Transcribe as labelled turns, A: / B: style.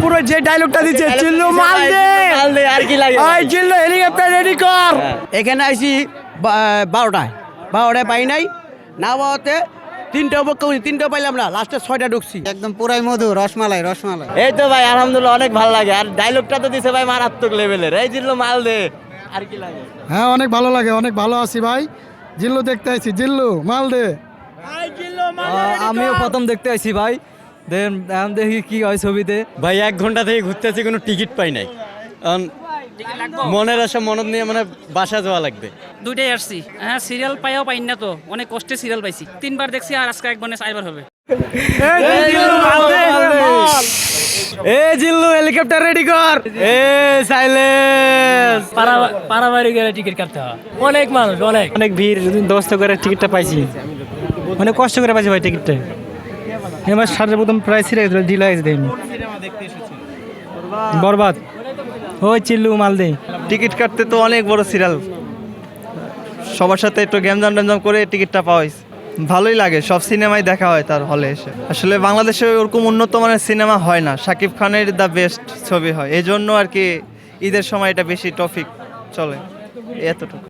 A: পুরো যে ডায়লগটা দিচ্ছে চিল্লু মাল দে
B: আর কি লাগে
A: ওই চিল্লু হেলিকপ্টার রেডি কর। এখানে আইছি 12টায় পাই নাই না পাওয়াতে তিনটা পাইলাম না, লাস্টে 6টা ঢুকছি।
C: একদম পুরাই মধু, রসমালাই রসমালাই।
B: এই তো ভাই আলহামদুলিল্লাহ অনেক ভালো লাগে। আর ডায়লগটা তো দিছে ভাই মারাত্মক লেভেলের, এই জিল্লু মাল দে আর কি লাগে।
D: হ্যাঁ অনেক ভালো লাগে, অনেক ভালো আছি ভাই। জিল্লু দেখতে আইছি, জিল্লু মাল দে।
E: আমিও প্রথম দেখতে আইছি ভাই, দেখি কি হয় ছবিতে।
B: ভাই 1 ঘন্টা থেকে ঘুরতেছি, কোনো টিকিট পাই নাই। মনের আশা মনত নিয়ে মানে বাসা যাওয়া লাগবে।
F: দুইটাই আসছি, হ্যাঁ সিরিয়াল পাইও পাই না তো, অনেক কষ্টে সিরিয়াল পাইছি। 3বার দেখছি আর আজকে একবার চারবার হবে।
E: এ জিল্লু হেলিকপ্টার রেডি কর। এ সাইলেন্স।
F: পারাবাড়ি গেলে টিকিট কাটতে হয়, অনেক মানুষ, অনেক
E: ভিড়, দোস্ত করে টিকিটটা পাইছি, অনেক কষ্ট করে পাইছি ভাই টিকিটটা। এবার সারের প্রথম প্রায় ছিঁড়ে গেছিল, ঢিলা হয়েছে দেয়নি। বরবাদ। ওই চিল্লু মাল দে।
G: টিকিট কাটতে তো অনেক বড় সিরিয়াল, সবার সাথে একটু গ্যামজাম করে টিকিটটা পাওয়া হয়েছে। ভালোই লাগে, সব সিনেমাই দেখা হয় তার হলে এসে। আসলে বাংলাদেশে ওরকম উন্নত মানের সিনেমা হয় না, শাকিব খানের দ্য বেস্ট ছবি হয়, এই জন্য আর কি ঈদের সময় এটা বেশি টপিক চলে, এতটুকু।